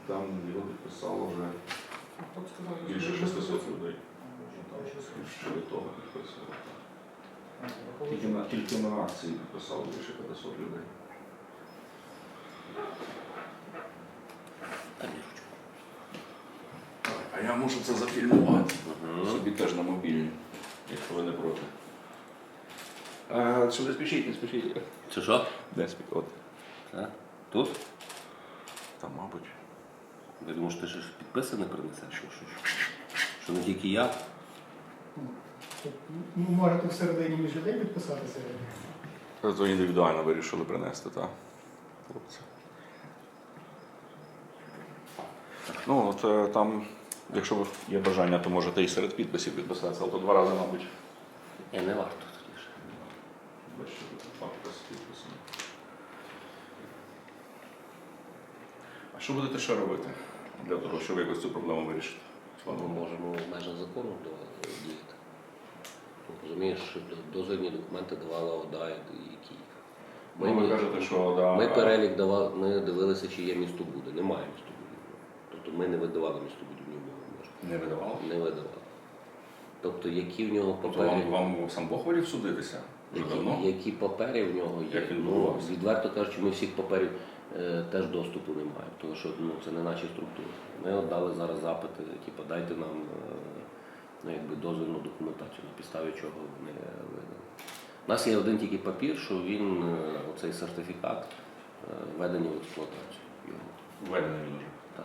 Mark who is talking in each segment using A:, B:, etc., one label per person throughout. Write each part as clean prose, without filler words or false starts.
A: Там його підписало вже більше 600 людей. Ще до того підписували. Тільки на акції підписало більше 500 людей. А я можу це зафільмувати. Собі теж на мобільні, якщо ви не проти. Що не спішіть, не спішіть.
B: Це що?
A: Де спіть? От.
B: Тут?
A: Там, мабуть.
B: Я думаю, що ти ж підписане принесеш, що не тільки я.
C: Можете всередині між людей підписатися?
A: То індивідуально вирішили принести, так? Хлопці. Ну, от там, якщо є бажання, то можете і серед підписів підписатися, але то 2 рази, мабуть.
B: Не варто тоді ж.
A: Бачите, підпис підписаний. А що будете ще робити для того, щоб якось цю проблему вирішити?
B: Ми можемо в межах закону діяти. Розумієш, що дозвільні документи давала ОДА і Київ.
A: Ви кажете, що ОДА...
B: Ми перелік давали, ми дивилися, чи є містобуди. Немає містобудівного. Тобто ми не видавали містобудівні умови.
A: Не видавали?
B: Не видавали. Тобто які в нього папери...
A: Тобто вам сам Бог волів судитися? Вже давно?
B: Які папери в нього є?
A: Як він будувався?
B: Відверто кажучи, ми всіх паперів теж доступу не маємо, тому що це не наші структури. Ми от дали зараз запити, типу, дайте нам дозвільну документацію, на підставі чого вони видали. У нас є один тільки папір, що він, оцей сертифікат, введений в експлуатацію.
A: Введений він вже?
B: Так.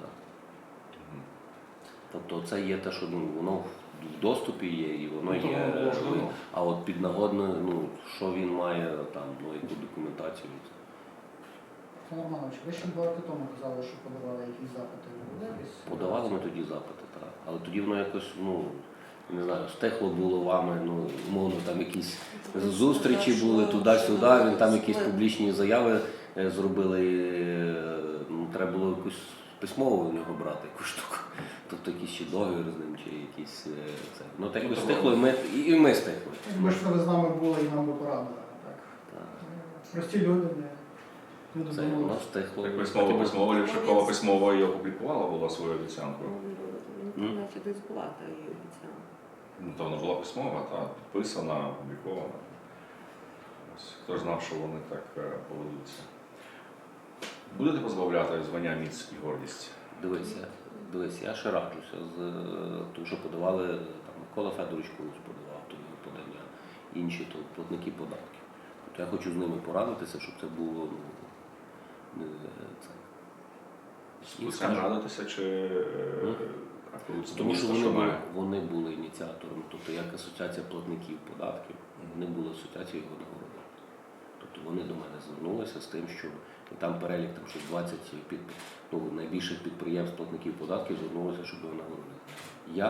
B: Тобто це є те, що воно в доступі є, і воно є. А от піднагодно, що він має там, яку документацію.
C: Пане Романович, ви ще 2 роки тому казали, що подавали якісь запити.
B: Подавали ми тоді запити, так. Але тоді воно якось, не знаю, стехло було вами, умовно, там якісь зустрічі були туди-сюди, він там якісь публічні заяви зробили, і треба було якусь письмово в нього брати, якусь штуку. Тобто якийсь ще договір з ним, чи якісь це. Ну так якось стихло, і ми стихли.
C: Ми ж ви з нами були і нам би порадили, так? Прості люди, не
B: Це
C: думали.
B: воно стихло.
A: Так письмово Лівшакова письмово і опублікувала була свою обіцянку.
D: Наче десь була та її обіцянка.
A: То вона була письмова, підписана, опублікована. Хто ж знав, що вони так поведуться. Будете позбавляти звання міць і гордість?
B: Дивись, я ще раджуся з тому, що подавали, там, Микола Федорович колись подавав подання, інші то платники податків. Тобто я хочу з ними порадитися, щоб це було
A: З ким радитися чи
B: тому що вони були ініціаторами, тобто як асоціація платників податків, вони були асоціацією його нагороди. Тобто вони до мене звернулися з тим, що там перелік там, що 20 найбільших підприємств платників податків звернулися, щоб його нагородити. Я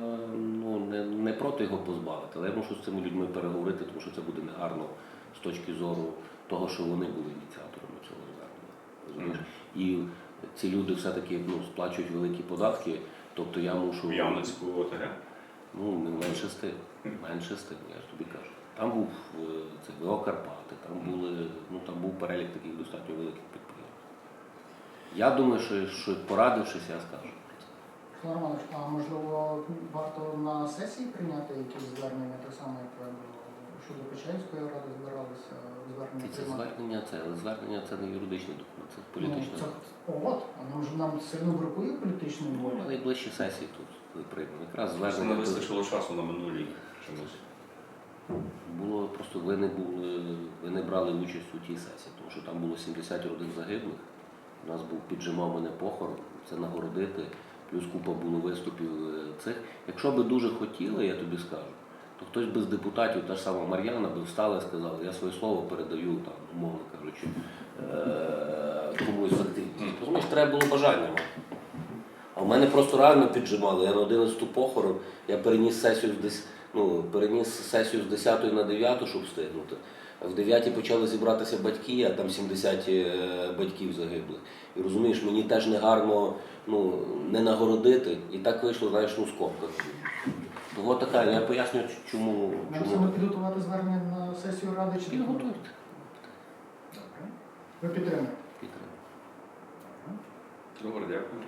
B: не проти його позбавити, але я мушу з цими людьми переговорити, тому що це буде негарно з точки зору того, що вони були ініціаторами цього звернення. І ці люди все-таки сплачують великі податки, тобто я мушу...
A: В Явницьку ОТГ?
B: Менше з тим, я ж тобі кажу. Там був ВО Карпати, там був перелік таких достатньо великих підприємств. Я думаю, що порадившись, я скажу.
C: Пане Романович, а можливо варто на сесії прийняти якісь звернення, так само, як щодо Печерської ради збиралися звернення приймати?
B: Звернення це не юридичний документ, це політичний документ.
C: Нам сильно бракує політичної волі.
B: Найближчі сесії тут приймемо. Якраз
A: Не
B: звернення
A: вистачило часу на минулій чомусь.
B: було просто ви не брали участь у тій сесії, тому що там було 70 родин загиблих. У нас був піджимав мене похорон, це нагородити, плюс купа було виступів цих. Якщо би дуже хотіли, я тобі скажу, то хтось би з депутатів, та ж сама Мар'яна, би встала і сказала, я своє слово передаю, там, умовно кажучи, комусь з активістів. Розумієш, треба було бажання мати. А в мене просто реально піджимали. Я на 11-ту похорон, я переніс сесію з 10 на 9, щоб встигнути. В 9 почали зібратися батьки, а там 70 батьків загиблих. І розумієш, мені теж не гарно не нагородити. І так вийшло, знаєш, скобка. Ось така, я пояснюю, чому.
C: Нам саме підготувати звернення на сесію ради чи
B: Підготуйте.
C: Добре. Ви підтримуєте?
B: Підтримуйте.
A: Добре, дякую.